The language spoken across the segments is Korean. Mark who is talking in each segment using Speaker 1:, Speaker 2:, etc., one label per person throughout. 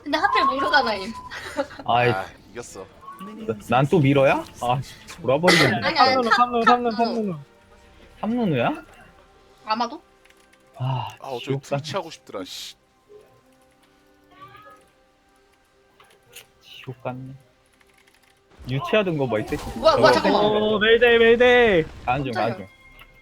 Speaker 1: 근데 하필 모르가나임.
Speaker 2: 아이,
Speaker 3: 아 이겼어.
Speaker 2: 난 또 밀어야? 아, 돌아버리겠네.
Speaker 1: 아니 아니
Speaker 4: 삼누누 삼누누.
Speaker 2: 삼누누야?
Speaker 1: 아마도?
Speaker 2: 아,
Speaker 3: 아 어쩌
Speaker 2: 지옥 같,
Speaker 3: 트위치 하고 싶더라. 씨.
Speaker 2: 지옥 같네. 유치하던 거 뭐 있지?
Speaker 1: 뭐야 잠깐만.
Speaker 4: 오 메이데이 메이데이.
Speaker 2: 가는 중, 가는 중.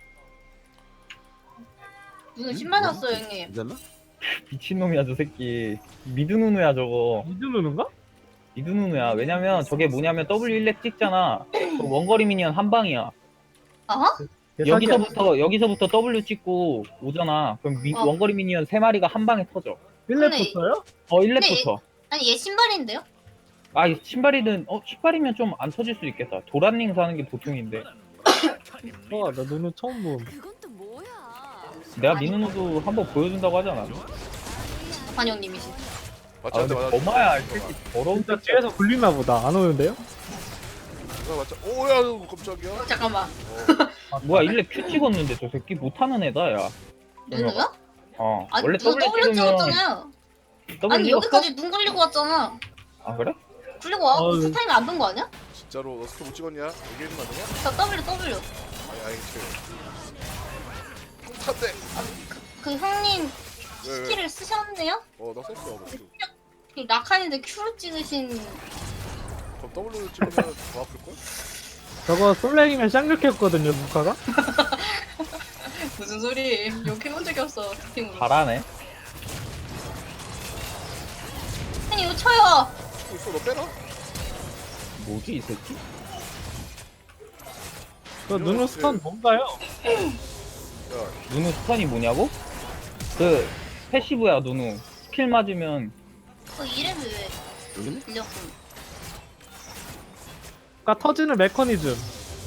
Speaker 1: 눈을 10만 줬어요 형님.
Speaker 3: 괜찮나?
Speaker 2: 미친놈이야, 저 새끼. 미드누누야, 저거.
Speaker 4: 미드누누인가?
Speaker 2: 미드누누야. 왜냐면 저게 뭐냐면 W1렙 찍잖아. 그 원거리 미니언 한 방이야.
Speaker 1: 아하?
Speaker 2: 여기서부터 W 찍고 오잖아. 그럼
Speaker 1: 어.
Speaker 2: 원거리 미니언 3마리가 한 방에 터져.
Speaker 4: 1렙부터요?
Speaker 2: 1렙부터.
Speaker 1: 아니 얘 신발인데요?
Speaker 2: 아, 이 신발이든, 신발이면 좀 안 터질 수도 있겠다. 도란닝 사는 게 보통인데.
Speaker 4: 나 누누 처음 봄.
Speaker 5: 그건 또 뭐야?
Speaker 2: 내가 미누누도 한번 보여준다고 하지 않았나?
Speaker 1: 관영님이시.
Speaker 3: 맞지
Speaker 2: 아,
Speaker 3: 맞지
Speaker 2: 근데
Speaker 3: 맞지.
Speaker 2: 거마야, 이 새끼 더러운
Speaker 4: 진짜
Speaker 2: 새끼야.
Speaker 4: 뒤에서 굴리나 보다. 안 오는데요?
Speaker 3: 맞지. 오야 깜짝이야.
Speaker 1: 잠깐만.
Speaker 2: 뭐야, 1렙 Q 찍었는데 저 새끼 못하는 애다, 야.
Speaker 1: 누누야? 아니
Speaker 2: 원래
Speaker 1: 누
Speaker 2: W
Speaker 1: W
Speaker 2: 찍으면
Speaker 1: 찍었잖아요.
Speaker 2: W
Speaker 1: 아니
Speaker 2: 찍었어?
Speaker 1: 여기까지 눈 굴리고 왔잖아.
Speaker 2: 아, 그래?
Speaker 1: 굴리고 와?
Speaker 4: 어,
Speaker 1: 스타임이 안 된 거 아니야?
Speaker 3: 진짜로 너 스킬 못 찍었냐? 얘기해주면 안 되냐?
Speaker 1: 저 W.
Speaker 3: 아니 찼대.
Speaker 1: 그 형님
Speaker 3: 왜?
Speaker 1: 스킬을 쓰셨네요?
Speaker 3: 어나 썼어. 너.
Speaker 1: 그 낙하인데 Q를 찍으신.
Speaker 3: 그럼 W 찍으면 더 아플 걸?
Speaker 4: 저거 솔랭이면 쌍욕했거든요, 무카가.
Speaker 1: 무슨 소리? 욕해본 적이 없어 스팅으로.
Speaker 2: 잘하네.
Speaker 1: 아니 이거 쳐요.
Speaker 3: 치고 있어. 너 빼라.
Speaker 2: 뭐지, 이 새끼?
Speaker 4: 저 누누 스턴 뭔가요?
Speaker 3: 야
Speaker 2: 누누 스턴이 뭐냐고? 그 패시브야, 누누. 스킬 맞으면
Speaker 1: 그 이름이 왜
Speaker 3: 여기네?
Speaker 1: 빌렸군?
Speaker 4: 그러니까 터지는 메커니즘.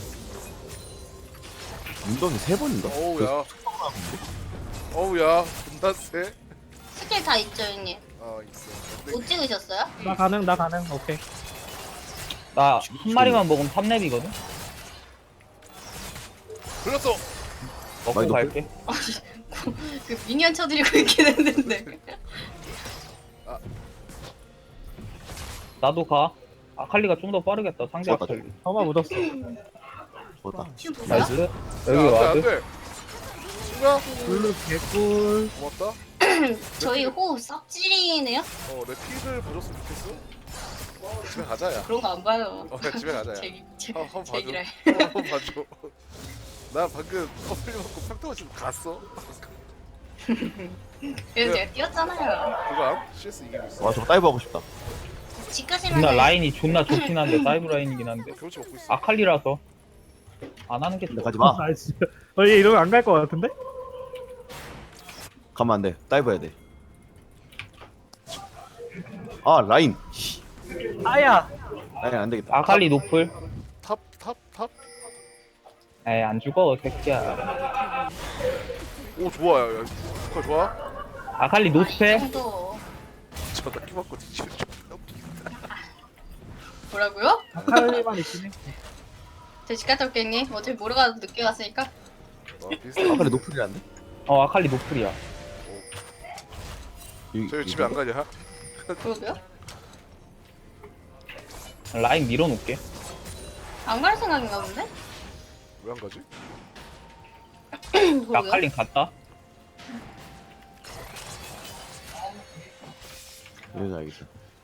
Speaker 6: 웅덩이 3번인가?
Speaker 3: 어우야. 어우야. 존나 세.
Speaker 1: 스킬 다 있죠 형님?
Speaker 3: 아 있어.
Speaker 1: 못 찍으셨어요?
Speaker 4: 나 가능. 오케이.
Speaker 2: 나 한 마리만 먹으면 3렙이거든?
Speaker 3: 걸렸어.
Speaker 2: 먹고
Speaker 6: 많이
Speaker 2: 갈게.
Speaker 1: 그 미니언 쳐드리고 있긴 했는데.
Speaker 2: 나도 가. 아칼리가 좀 더 빠르겠다, 상대
Speaker 6: 좋았다,
Speaker 2: 아칼리.
Speaker 4: 저만 묻었어.
Speaker 6: 좋다.
Speaker 1: 지금 뭐야?
Speaker 2: 나이스. 여기 와드.
Speaker 3: 안돼. 친구야.
Speaker 4: 블루 개꿀.
Speaker 3: 고맙다.
Speaker 1: 저희 호흡 싹질이네요?
Speaker 3: 내 피를 봐줬으면 좋겠어. 집에 가자 야.
Speaker 1: 그런 거 안 봐요.
Speaker 3: 야, 집에 가자 야. 한번 봐줘.
Speaker 1: 제기라.
Speaker 3: 한번 봐줘. 나 방금 커플 먹고 평타고 지금 갔어.
Speaker 1: 그래서 제가 뛰었잖아요.
Speaker 3: 그거 암? CS 이기고 있어.
Speaker 6: 와, 저거 다이브 하고 싶다.
Speaker 1: 집 가시면
Speaker 2: 존나 라인이 존나 좋긴 한데, 사이브 라인이긴 한데.
Speaker 3: 경치 먹고 있어.
Speaker 2: 아칼리라서 안 하는 게
Speaker 6: 근데
Speaker 2: 좋아.
Speaker 6: 가지 마.
Speaker 4: 아 진짜. 얘 이러면 안 갈 것 같은데?
Speaker 6: 가면 안 돼. 다이브 해야 돼. 아, 라인. 씨.
Speaker 4: 아야.
Speaker 6: 라인 안 되겠다.
Speaker 2: 아칼리 노플.
Speaker 3: 탑.
Speaker 2: 에이, 안 죽어, 새끼야.
Speaker 3: 오 좋아 야. 그거 좋아?
Speaker 2: 아칼리 노스페.
Speaker 1: 정도.
Speaker 3: 저나 키 맞고 뒤집어.
Speaker 1: 뭐라고요?
Speaker 4: 아칼리만 있긴 해.
Speaker 1: 저 집 갔다 올게 형님. 어차피 모르가 늦게 갔으니까.
Speaker 3: 비슷해.
Speaker 6: 아칼리 노플이란데?
Speaker 2: 아칼리 노플이야.
Speaker 3: 저희 집에 안 가냐?
Speaker 1: 그러게요?
Speaker 2: 라인 밀어놓을게.
Speaker 1: 안 갈 생각인가 본데?
Speaker 3: 왜 안 가지?
Speaker 1: 그러게요?
Speaker 2: 아칼리 갔다.
Speaker 6: 여기서 알겠어.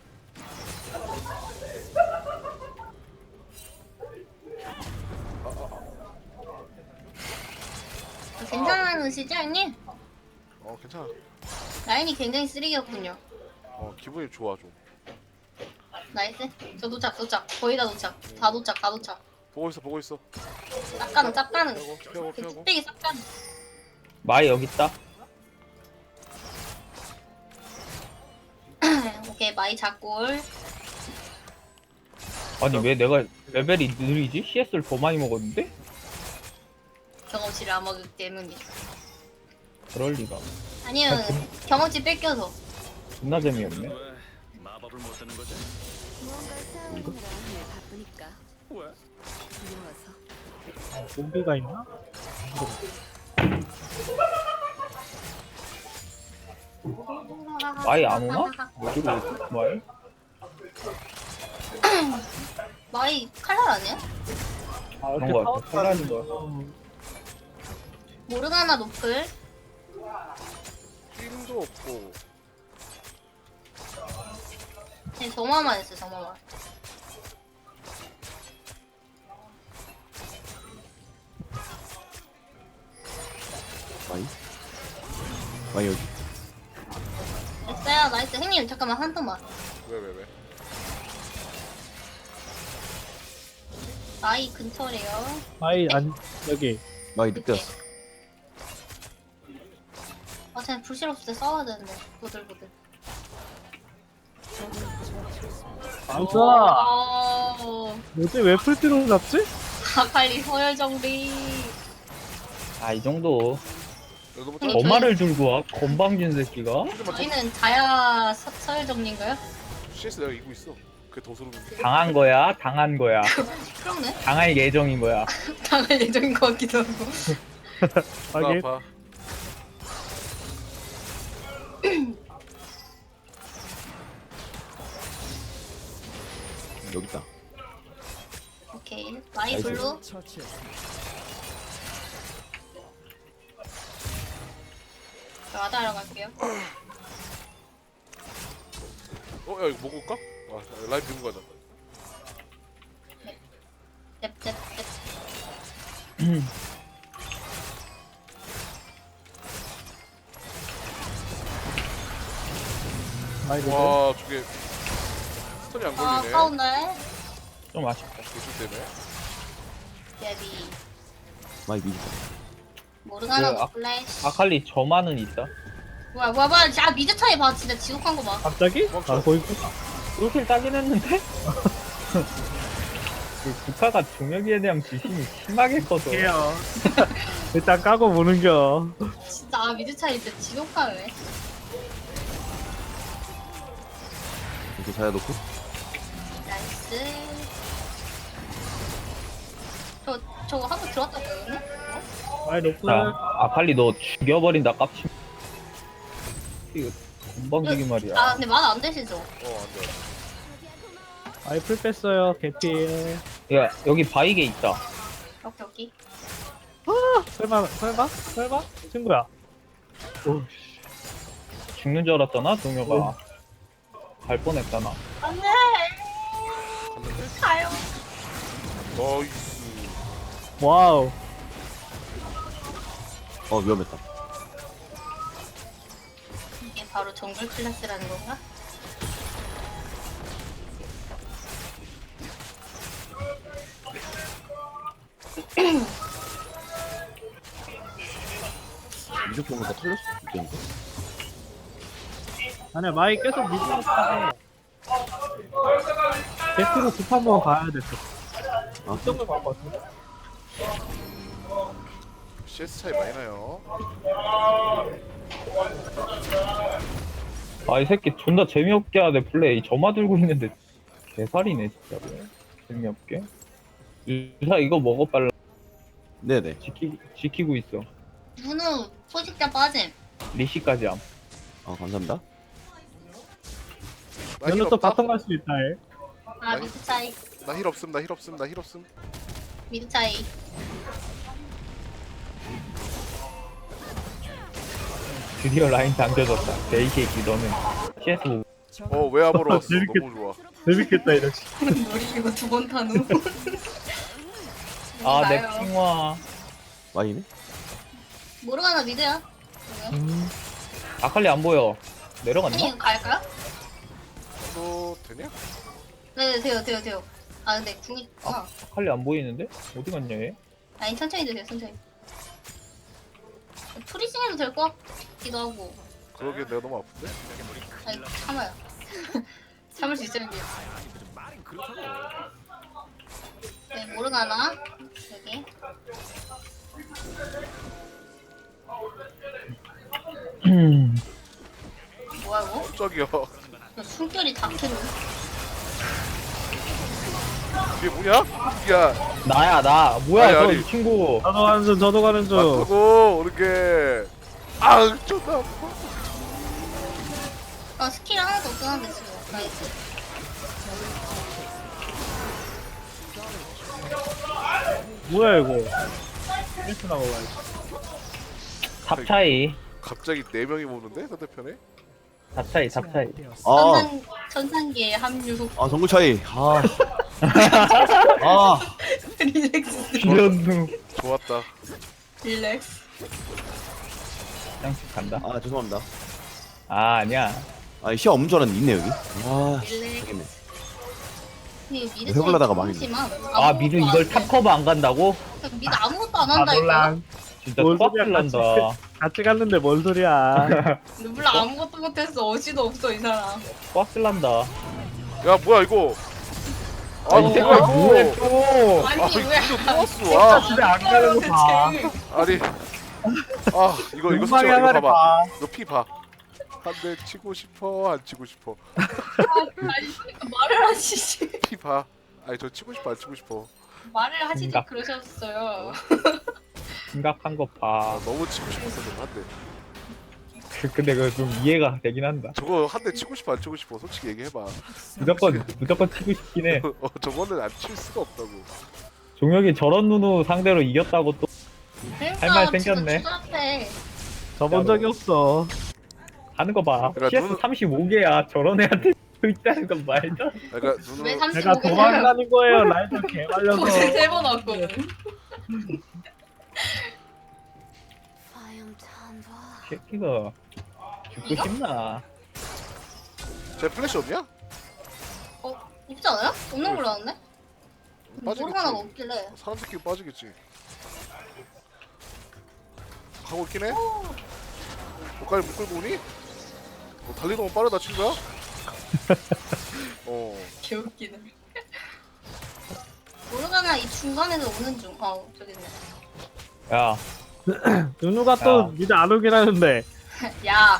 Speaker 1: 괜찮으시죠 형님?
Speaker 3: 괜찮아.
Speaker 1: 라인이 굉장히 쓰레기였군요.
Speaker 3: 기분이 좋아 좀.
Speaker 1: 나이스. 저 도착. 거의 다 도착. 다 도착.
Speaker 3: 보고 있어.
Speaker 1: 짭가는.
Speaker 3: 피하고.
Speaker 1: 그 뚝배기 짭가는.
Speaker 2: 마이 여기 있다.
Speaker 1: 오케이 마이 작골.
Speaker 2: 아니 왜 내가 레벨이 느리지? CS를 더 많이 먹었는데?
Speaker 1: 경험치를 안 먹기 때문이죠.
Speaker 2: 그럴 리가.
Speaker 1: 아니요 경험치 뺏겨서.
Speaker 2: 존나 재미없네.
Speaker 5: 무언가를 쌓아오느라 바쁘니까. 두려워서.
Speaker 4: 좀비가 있나?
Speaker 2: 마이 안 오나? 어디로 오지? 마이?
Speaker 1: 마이 칼날 아니야?
Speaker 4: 아,
Speaker 2: 그런
Speaker 4: 이렇게
Speaker 2: 거
Speaker 4: 타워
Speaker 2: 같아. 칼날인 거야.
Speaker 1: 모르가나 노플.
Speaker 3: 힘도 없고.
Speaker 1: 그냥 점화만 했어 점화만.
Speaker 6: 마이? 마이 여기.
Speaker 1: 됐어요 나이스. 형님 잠깐만 한 번만.
Speaker 3: 왜?
Speaker 1: 마이 근처래요.
Speaker 4: 아이 안 여기.
Speaker 6: 마이 늦게 왔어.
Speaker 1: 아 쟤는 불실 없을 때 싸워야 되는데. 보들보들.
Speaker 4: 안싸. 뭐지 왜 풀티로 잡지?
Speaker 1: 아칼리 서열 정리.
Speaker 2: 아, 이 정도.
Speaker 3: 너무
Speaker 1: 형님,
Speaker 2: 거마를 들고 와? 건방진 새끼가?
Speaker 1: 저희는 자야 서열 정리인가요?
Speaker 3: CS 내가 이기고 있어. 그게 더 소름.
Speaker 2: 당한 거야? 당한 거야.
Speaker 1: 그렇네.
Speaker 2: 당할 예정인 거야.
Speaker 1: 당할 예정인 것 같기도 하고.
Speaker 4: 하긴.
Speaker 3: 아파.
Speaker 6: 여기 있다.
Speaker 1: 오케이. 마이
Speaker 6: 나이스.
Speaker 1: 블루. 저 와다하러 갈게요.
Speaker 3: 야 이거 먹을까? 라이브 들고 가자.
Speaker 1: 넵넵넵.
Speaker 4: 마이 노플.
Speaker 3: 와 저게 스턴이 안
Speaker 1: 아
Speaker 3: 걸리네.
Speaker 1: 싸운다.
Speaker 2: 좀 아쉽다.
Speaker 3: 교수 때문에.
Speaker 1: 예비.
Speaker 6: 마이 미리.
Speaker 1: 모르가나
Speaker 2: 그,
Speaker 1: 노플래시.
Speaker 2: 아칼리 저만은 있다.
Speaker 1: 뭐야. 아 미드 차이 봐. 진짜 지독한 거 봐.
Speaker 4: 갑자기?
Speaker 3: 멈춰.
Speaker 4: 아 거의
Speaker 2: 꿀킬 따긴 했는데? 그 국가가 중력에 대한 지심이 심하게 커서.
Speaker 4: 해요. 일단 까고 보는겨.
Speaker 1: 진짜 아 미드 차이 진짜 지독하네.
Speaker 6: 이렇게 자야 놓고.
Speaker 1: 나이스. 저거 한번 들어왔다 보이네?
Speaker 4: 마이 노플.
Speaker 2: 자, 아칼리 너 죽여버린다, 깝치. 이거 건방지기 말이야.
Speaker 1: 아 근데 말 안 되시죠?
Speaker 3: 안돼.
Speaker 4: 마이 풀 뺐어요. 개피.
Speaker 2: 야, 여기 바이게 있다.
Speaker 1: 오케이.
Speaker 4: 설마? 친구야. 오,
Speaker 2: 죽는 줄 알았잖아, 동료가. 갈 뻔했다, 나.
Speaker 1: 안돼.
Speaker 3: 갔는데?
Speaker 1: 가요.
Speaker 3: 나이스.
Speaker 4: 와우.
Speaker 6: 위험했다.
Speaker 1: 이게 바로 정글 클래스라는 건가?
Speaker 6: 무조건 다 털렸을 수도 있겠는데?
Speaker 4: 아니야 마이 계속 미드로 타고 게스트로 급 한번 가야 됐어.
Speaker 6: 아,
Speaker 4: 정도 갈것 같은데?
Speaker 3: CS 차이 많이 나요.
Speaker 2: 아, 이 새끼 존나 재미없게 하네, 플레이. 점화 들고 있는데. 개살이네, 진짜로. 재미없게. 유사 이거 먹어, 빨라.
Speaker 6: 네네.
Speaker 2: 지키고 있어.
Speaker 1: 누누 포식자 빠짐.
Speaker 2: 리시까지 함.
Speaker 6: 감사합니다.
Speaker 4: 연우 또 바텀 갈 수 있다 해.
Speaker 1: 아 미드 차이.
Speaker 3: 나 힐 없음.
Speaker 1: 미드 차이.
Speaker 2: 드디어 라인 당겨졌다. 데이 새끼, 너는. CS 보고.
Speaker 3: 왜 아무로 왔어?
Speaker 4: 재밌겠-
Speaker 3: 너무 좋아.
Speaker 4: 재밌겠다 이러지.
Speaker 1: 우리 이거 두 번 타누.
Speaker 2: 아, 내 핑화.
Speaker 6: 마이네?
Speaker 1: 모르가나 미드야.
Speaker 2: 아칼리 안 보여. 내려갔나?
Speaker 1: 형님 갈까요?
Speaker 3: 또 되냐?
Speaker 1: 네 돼요. 아 근데 궁이
Speaker 2: 아칼리 안 보이는데? 어디 갔냐, 얘?
Speaker 1: 아니 천천히 드세요 천천히. 프리징해도 될 것 같기도 하고.
Speaker 3: 그러게 내가 너무 아픈데?
Speaker 1: 아니 참아요. 참을 수 있어요 이게. 네 모르가나 여기. 뭐야 이거?
Speaker 3: 깜짝이야.
Speaker 1: 숨결이 다크는.
Speaker 3: 이게 뭐냐? 야,
Speaker 2: 나야, 나. 뭐야,
Speaker 3: 아니,
Speaker 2: 저
Speaker 3: 아니.
Speaker 2: 이 친구.
Speaker 4: 저도 가는 중.
Speaker 3: 맞다고 오는 게. 존나 아파.
Speaker 1: 아 스킬 하나도 없긴 한데 지금. 나이스.
Speaker 4: 뭐야 이거? 스트레스 나고 가야지.
Speaker 2: 탑 차이.
Speaker 3: 갑자기 4명이 모는데 상대편에?
Speaker 2: 탑 차이, 탑 차이.
Speaker 6: 아,
Speaker 1: 전산기의 합류.
Speaker 6: 아 정글 차이. 아, 아,
Speaker 1: 릴렉스.
Speaker 2: 비련누.
Speaker 3: 좋았다.
Speaker 1: 릴렉스.
Speaker 2: 양식 간다.
Speaker 6: 아 죄송합니다.
Speaker 2: 아, 아니야.
Speaker 6: 아 시야 없는 줄 알았는데 있네 여기. 아,
Speaker 1: 릴렉스.
Speaker 6: 되겠네.
Speaker 1: 근데 미드
Speaker 6: 해보려다가
Speaker 1: 차이
Speaker 6: 망했네.
Speaker 1: 심하지만
Speaker 2: 아, 미드
Speaker 1: 아무것도
Speaker 2: 이걸
Speaker 1: 안 돼.
Speaker 2: 탑 커버 안 간다고?
Speaker 1: 미드 아무것도 안
Speaker 4: 아
Speaker 1: 한다 이거.
Speaker 4: 몰라.
Speaker 2: 진짜
Speaker 4: 뭔
Speaker 2: 꽉
Speaker 4: 소리야,
Speaker 2: 질난다.
Speaker 4: 같이 갔는데 뭔 소리야?
Speaker 1: 르블라 아무것도 못했어. 어시도 없어 이 사람.
Speaker 2: 꽉 질난다.
Speaker 3: 야 뭐야 이거?
Speaker 2: 아, 이 색깔
Speaker 3: 뭐야,
Speaker 2: 뭐해
Speaker 3: 이거?
Speaker 2: 또?
Speaker 1: 아니
Speaker 3: 아
Speaker 1: 왜?
Speaker 3: 이거 또 왔어. 아,
Speaker 4: 집에 안 가는 거 봐.
Speaker 3: 아니. 아 이거
Speaker 4: 눈망이
Speaker 3: 솔직히 이거
Speaker 4: 하나를
Speaker 3: 봐봐.
Speaker 4: 봐.
Speaker 3: 너 피 봐. 한 대 치고 싶어 안 치고 싶어.
Speaker 1: 아니 그러니까 말을 하시지.
Speaker 3: 피 봐. 아니 저 치고 싶어 안 치고 싶어.
Speaker 1: 말을 하시지
Speaker 2: 생각.
Speaker 1: 그러셨어요.
Speaker 2: 심각한 거
Speaker 3: 아
Speaker 2: 봐.
Speaker 3: 너무 치고 싶었어 한 대.
Speaker 2: 근데 그거 좀 이해가 되긴 한다.
Speaker 3: 저거 한 대 치고 싶어 안 치고 싶어. 솔직히 얘기해봐.
Speaker 2: 무조건 치고 싶긴 해.
Speaker 3: 저거는 안 칠 수가 없다고.
Speaker 2: 종혁이 저런 누누 상대로 이겼다고 또
Speaker 1: 그러니까
Speaker 2: 말 생겼네.
Speaker 1: 추잡해.
Speaker 4: 저본 적이 없어.
Speaker 2: 하는 거 봐.
Speaker 3: 그러니까
Speaker 2: CS
Speaker 3: 누누-
Speaker 2: 35개야. 저런 애한테 있다는 건 말도 안 돼.
Speaker 3: 그러니까 눈으로
Speaker 1: 왜
Speaker 4: 내가
Speaker 1: 35개
Speaker 4: 도망가는 거예요. 라이더 개 말려서.
Speaker 1: 고생 3번 왔거든.
Speaker 5: 화염찬바.
Speaker 2: 새끼가 죽고
Speaker 1: 이거?
Speaker 2: 싶나?
Speaker 3: 제 플래시 없냐?
Speaker 1: 어? 없지 않아요? 없는 걸로 알았네?
Speaker 3: 빠지겠지.
Speaker 1: 모르가나가 없길래.
Speaker 3: 사람 새끼 빠지겠지. 가고 있긴 해. 너까지 못 끌고 오니? 너 달리는 건 빠르다 친구야?
Speaker 1: 개웃기네. 모르가나 이 중간에서 오는 중. 저기 있네.
Speaker 2: 야,
Speaker 4: 누누가 또
Speaker 2: 야.
Speaker 4: 미드 안 오긴 하는데.
Speaker 1: 야,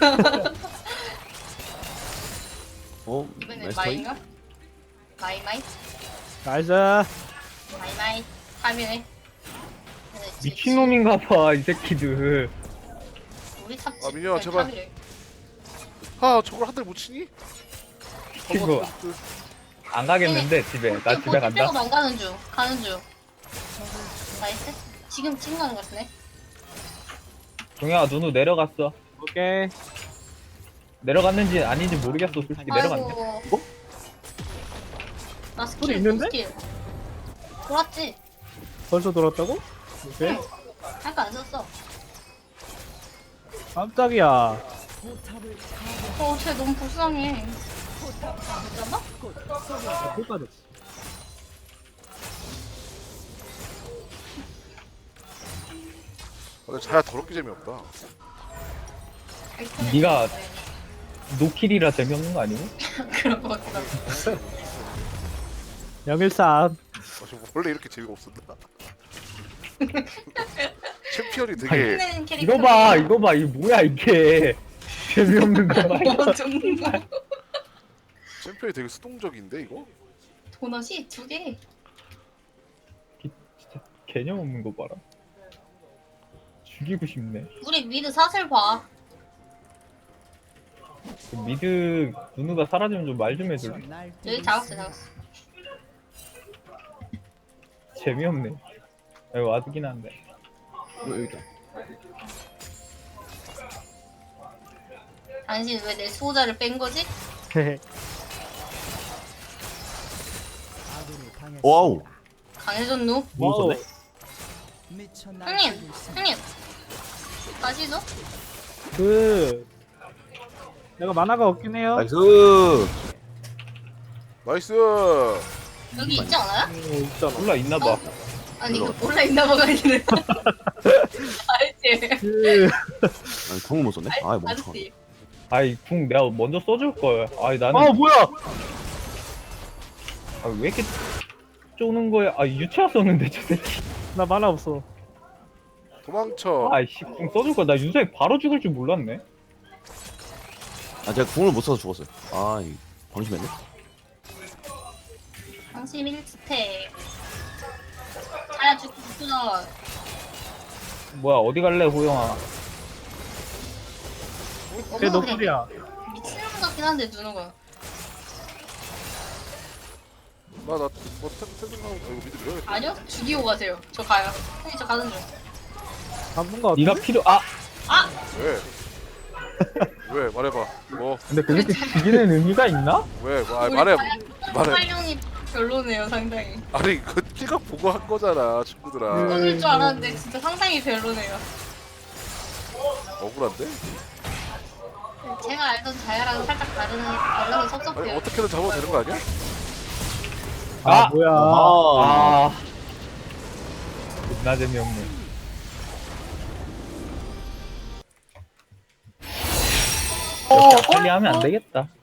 Speaker 6: 어,
Speaker 1: 이번엔
Speaker 6: 나이스 차이.
Speaker 1: 마이인가? 마이?
Speaker 4: 나이스.
Speaker 1: 마이. 하면에.
Speaker 2: 미친놈인가 봐, 이 새끼들.
Speaker 1: 우리 탑지.
Speaker 3: 아, 민혁아,
Speaker 1: 아니,
Speaker 3: 제발.
Speaker 1: 탑이래.
Speaker 3: 아 저걸 한 대 못 치니?
Speaker 2: 이거 안 가겠는데, 집에. 나 집에 간다.
Speaker 1: 빼고 안 가는 중. 가는 중. 나이스. 지금 가는 것 같네.
Speaker 2: 종혁아, 누누 내려갔어.
Speaker 4: 오케이.
Speaker 2: 내려갔는지 아닌지 모르겠어, 솔직히 내려갔네.
Speaker 1: 아이고. 나
Speaker 4: 소리
Speaker 1: 스킬
Speaker 4: 있는데?
Speaker 1: 스킬. 돌았지?
Speaker 4: 벌써 돌았다고? 오케이.
Speaker 1: 할거 안 썼어.
Speaker 4: 깜짝이야.
Speaker 1: 쟤 너무 불쌍해. 잠깐만.
Speaker 4: 꿀 빠졌어.
Speaker 3: 근데 자야 더럽게 재미없다.
Speaker 2: 네가 노킬이라 재미없는 거 아니고?
Speaker 1: 그런 거 같다.
Speaker 4: 013.
Speaker 3: 원래 이렇게 재미가 없었나? 챔피언이 되게
Speaker 1: 끝내는 캐릭터.
Speaker 2: 이거 봐, 이게 뭐야, 이게. 재미없는 거 말이야.
Speaker 1: 정말.
Speaker 3: 챔피언이 되게 수동적인데 이거?
Speaker 1: 도넛이 2개.
Speaker 2: 개념 없는 거 봐라. 죽이고 싶네.
Speaker 1: 우리 미드 사슬 봐.
Speaker 2: 그 미드 누누가 사라지면 좀 말 좀 해줄래?
Speaker 1: 여기 잡았어.
Speaker 2: 재미없네. 여기 와드긴 한데.
Speaker 6: 여기 있다.
Speaker 1: 당신 왜 내 수호자를 뺀 거지?
Speaker 6: 와우.
Speaker 1: 강해졌누?
Speaker 6: 뭐 있었네?
Speaker 1: 형님. 다시죠?
Speaker 4: 내가 만화가 없긴 해요.
Speaker 6: 나이스.
Speaker 3: 나이스.
Speaker 1: 여기 있지 않아요?
Speaker 4: 있잖아.
Speaker 2: 몰라 있나봐.
Speaker 1: 아니 이거 몰라 있나 봐가 아니네. 알지?
Speaker 6: 아니 궁을 못 썼네. 아 멍청한.
Speaker 1: 알지?
Speaker 2: 아이 궁 내가 먼저 써줄 걸. 아이 나는
Speaker 4: 아 뭐야?
Speaker 2: 아, 왜 이렇게 쪼는 거야? 아 유채화 썼는데 저 새끼.
Speaker 4: 나 만화 없어.
Speaker 3: 도망쳐.
Speaker 2: 아이씨 궁 써줄 걸. 나 유세 바로 죽을 줄 몰랐네.
Speaker 6: 아 제가 궁을 못 써서 죽었어요. 아 이 방심했네.
Speaker 1: 방심 1스택. 자야 죽구나.
Speaker 2: 뭐야 어디 갈래 호영아?
Speaker 4: 걔 노플이야.
Speaker 1: 미친놈 같긴 한데 누누가.
Speaker 3: 나뭐 생각하고 이거 미드 밀어야겠다.
Speaker 1: 아니요? 죽이고 가세요. 저 가요. 형님 저 가는 중.
Speaker 4: 잡은 거 어때?
Speaker 2: 네가 필요 아
Speaker 1: 아!
Speaker 3: 왜? 왜 말해봐. 뭐
Speaker 2: 근데 그렇게 죽이는 의미가 있나?
Speaker 3: 왜? 뭐,
Speaker 1: 우리
Speaker 3: 말해.
Speaker 1: 활용이 별로네요 상당히.
Speaker 3: 아니 그 키가 보고 한 거잖아 친구들아.
Speaker 1: 그럴 줄 알았는데 진짜 상당히 별로네요.
Speaker 3: 억울한데?
Speaker 1: 제가 알던 자야랑 살짝 달라서
Speaker 3: 아니
Speaker 1: 섭섭해요.
Speaker 3: 어떻게든 잡아도 되는 거 아니야?
Speaker 4: 아,
Speaker 2: 아!
Speaker 4: 뭐야.
Speaker 2: 아 존나 재미없네. 이렇게 빨리 하면 안 되겠다.